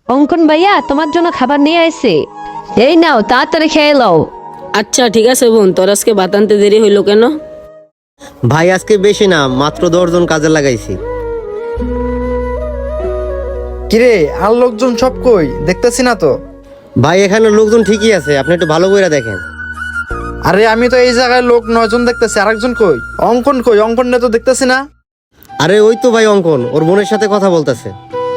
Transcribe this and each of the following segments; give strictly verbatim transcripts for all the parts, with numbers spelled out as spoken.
অঙ্কন ভাইয়া তোমার জন্য খাবার নিয়ে আসছে, এই নাও তাড়াতাড়ি খেয়ে নাও। আচ্ছা ঠিক আছে বোন, তোর আজকে ভাত আনতে দেরি হইলো কেন? ভাই আজকে বেশি না, মাত্র দশজন কাজে লাগাইছি। কিরে আর লোকজন সব কই, দেখতেছি না তো। ভাই এখানে লোকজন ঠিকই আছে, আপনি একটু ভালো করে দেখেন। আরে আমি তো এই জায়গায় লোক নয়জন দেখতেছি, আরেকজন কই? অঙ্কন কই? অঙ্কন তো দেখতেছি না। আরে ওই তো ভাই অঙ্কন, ওর বোনের সাথে কথা বলতেছে।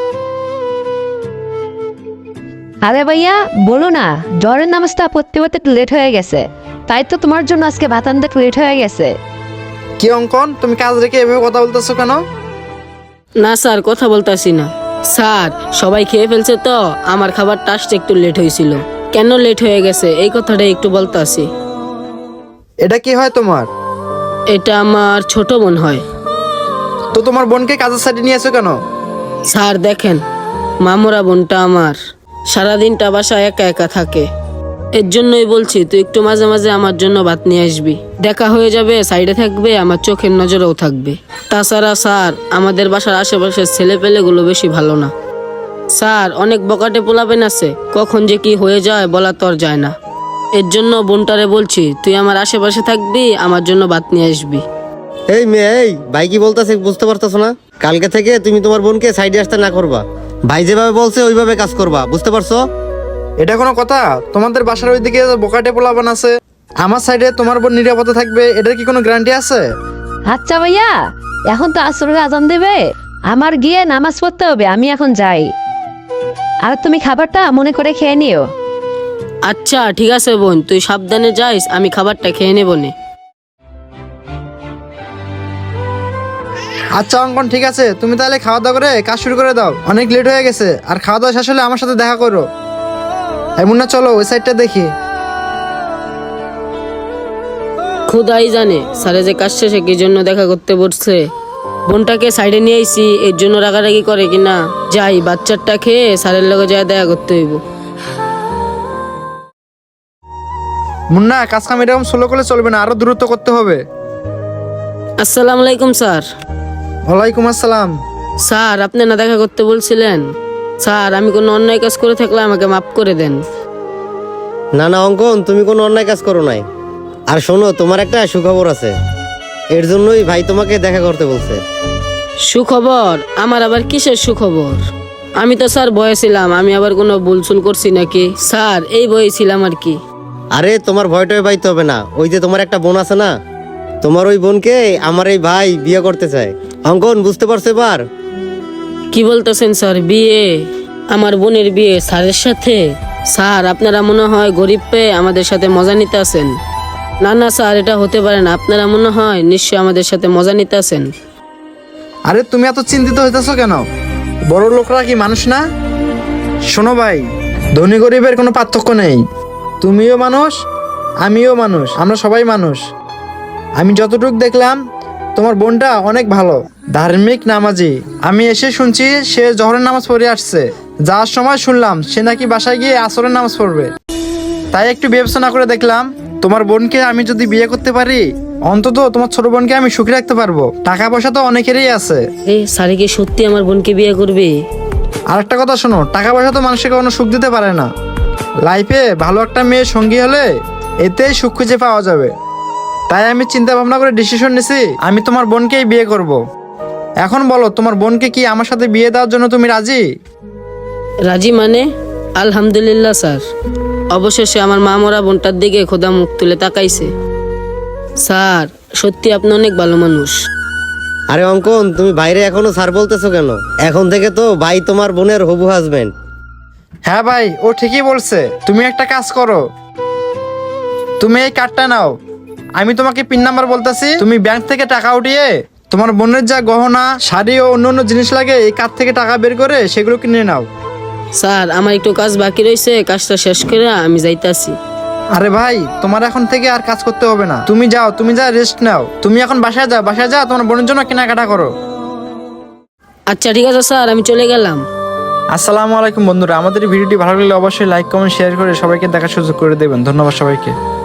আরে ভাইয়া বলো না, জ্বরের নামাজটা পড়তে পড়তে একটু লেট হয়ে গেছে, তাই তো তোমার জন্য আজকে ভাত আনতে একটু লেট হয়ে গেছে। কি অঙ্কন, তুমি কাজ রেখে এভাবে কথা বলতেছো কেন? না স্যার, কথা বলতাছি না স্যার, সবাই খেয়ে ফেলছে তো আমার খাবারটা আসতে একটু লেট হয়েছিল। কেন লেট হয়ে গেছে এই কথাটা একটু বলতাছি। এটা কি হয় তোমার? এটা আমার ছোট বোন হয়। তো তোমার বোনকে কাজের সাইডে নিয়ে এসো কেন? স্যার দেখেন, মামুরা বোনটা আমার সারাদিনটা বাসায় একা একা থাকে, এর জন্যই বলছি তুই একটু মাঝে মাঝে আমার জন্য ভাত নিয়ে আসবি, দেখা হয়ে যাবে, সাইডে থাকবে, আমার চোখের নজরেও থাকবে। তাছাড়া স্যার আমাদের বাসার আশেপাশের ছেলে পেলেগুলো বেশি ভালো না স্যার, অনেক বকাটে পোলাবেন আছে, কখন যে কি হয়ে যায় বলা তোর যায় না। এর জন্য বোনটারে বলছি তুই আমার আশেপাশে থাকবি, আমার জন্য ভাত নিয়ে আসবি। এই মেয়ে, এই ভাই কি বলতেছে বুঝতে পারতেছো না? কালকে থেকে তুমি তোমার বোনকে সাইডে আসতে না করবা, ভাই যেভাবে বলছে ওইভাবে কাজ করবা, বুঝতে পারছো? এটা কোনো কথা? তোমাদের বাসার ওইদিকে বোকাটে পোলাবান আছে, আমার সাইডে তোমার বোন নিরাপদে থাকবে, এটার কি কোনো গ্যারান্টি আছে? আচ্ছা ভাইয়া, এখন তো আসরের আজান দেবে, আমার গিয়ে নামাজ পড়তে হবে, আমি এখন যাই। আর তুমি খাবারটা মনে করে খেয়ে নিও। আচ্ছা ঠিক আছে বোন, তুই সাবধানে যাইস, আমি খাবারটা খেয়ে নেব নে। আচ্ছা অঙ্কন ঠিক আছে, তুমি তাহলে খাওয়া দাওয়া করে কাজ শুরু করে দাও, অনেক লেট হয়ে গেছে। আর খাওয়া দাওয়া শেষ হলে আমার সাথে দেখা করো। এমন না, চলো ওই সাইডটা দেখি। খুদাই জানে স্যারে যে কাজ শেষে কি জন্য দেখা করতে বসছে। বোনটাকে সাইডে নিয়ে আইসি এর জন্য রাগারাগি করে কিনা, যাই বাচ্চাটা খেয়ে স্যারের লগে যায় দেখা করতে হইব। মুন্না, কাজ কাম এরকম স্লো করলে চলবে না, আরো দ্রুত করতে হবে। আসসালামু আলাইকুম স্যার। ওয়ালাইকুম আসসালাম। স্যার আপনি না দেখা করতে বলছিলেন? স্যার আমি কোনো অন্যায় কাজ করে থাকলে আমাকে মাফ করে দেন। না না অঙ্কন, তুমি কোনো অন্যায় কাজ করো নাই। আর শোনো, তোমার একটা সুখবর আছে, এর জন্যই ভাই তোমাকে দেখা করতে বলছে। সুখবর? আমার আবার কিসের সুখবর? আমি তো স্যার ভয়ে ছিলাম, আমি আবার কোনো ভুলচুল করছি নাকি? স্যার এই ভয়ে ছিলাম আর কি। আরে তোমার ভয়টাই পাইতে হবে না, ওই যে তোমার একটা বোন আছে না, তোমার ওই বোনকে আমার এই ভাই বিয়ে করতে চায়। অঙ্কন বুঝতে পারছো এবার? কি বলতেছেন স্যার, বিয়ে? আমার বোনের বিয়ে স্যারের সাথে? স্যার আপনারা মনে হয় গরিব পেয়ে আমাদের সাথে মজা নিতে আসেন। না না স্যার, এটা হতে পারে না, আপনারা মনে হয় নিশ্চয়ই আমাদের সাথে মজা নিতে আসেন। আরে তুমি এত চিন্তিত হইতেছো কেন? বড় লোকরা কি মানুষ না? শোনো ভাই, ধনী গরিবের কোনো পার্থক্য নেই, তুমিও মানুষ আমিও মানুষ, আমরা সবাই মানুষ। আমি যতটুকু দেখলাম তোমার বোনটা অনেক ভালো, ধার্মিক, নামাজি। আমি এসে শুনছি সে জহরের নামাজ পড়ে আসছে, যাওয়ার সময় শুনলাম সে নাকি বাসায় গিয়ে আসরের নামাজ পড়বে। তাই একটু বিবেচনা করে দেখলাম তোমার বোনকে আমি যদি বিয়ে করতে পারি, অন্তত তোমার ছোট বোনকে আমি সুখী রাখতে পারবো। টাকা পয়সা তো অনেকেরই আছে। এ স্যার কি সত্যি আমার বোনকে বিয়ে করবে? আর একটা কথা শোনো, টাকা পয়সা তো মানুষকে কোনো সুখ দিতে পারে না, লাইফে ভালো একটা মেয়ে সঙ্গী হলে এতেই সুখ খুঁজে পাওয়া যাবে। তাই আমি চিন্তা ভাবনা করে ডিসিশন নিছি আমি তোমার বোনকেই বিয়ে করব। এখন বলো, তোমার বোনকে কি আমার সাথে বিয়ে দেওয়ার জন্য তুমি রাজি? রাজি মানে? আলহামদুলিল্লাহ স্যার, অবশেষে আমার মা মরা বোনটার দিকে খোদা মুখ তুলে তাকাইছে। স্যার সত্যি আপনি অনেক ভালো মানুষ। আরে অঙ্কন, তুমি বাইরে এখনো স্যার বলতেছো কেন? এখন থেকে তো ভাই তোমার বোনের হবু হাজবেন্ড। হ্যাঁ ভাই, ও ঠিকই বলছে। তুমি একটা কাজ করো, তুমি এই কার্ডটা নাও, আমি তোমাকে পিন নাম্বার বলতেছি, তুমি ব্যাংক থেকে টাকা উঠিয়ে তোমার বোনের যা গহনা, শাড়ি ও অন্য অন্য জিনিস লাগে এই কার্ড থেকে টাকা বের করে সেগুলো কিনে নাও। স্যার আমার একটু কাজ বাকি রয়েছে, কাজটা শেষ করে আমি যাইতাছি। আরে ভাই, তোমার এখন থেকে আর কাজ করতে হবে না, তুমি যাও, তুমি যা রেস্ট নাও। তুমি এখন বাসায় যাও, বাসায় যাও তোমার বোনের জন্য কেনাকাটা করো। আচ্ছা ঠিক আছে স্যার, আমি চলে গেলাম। আসসালামু আলাইকুম বন্ধুরা, আমাদের এই ভিডিওটি ভালো লাগলে অবশ্যই লাইক কমেন্ট শেয়ার করে সবাইকে দেখার সুযোগ করে দেবেন। ধন্যবাদ সবাইকে।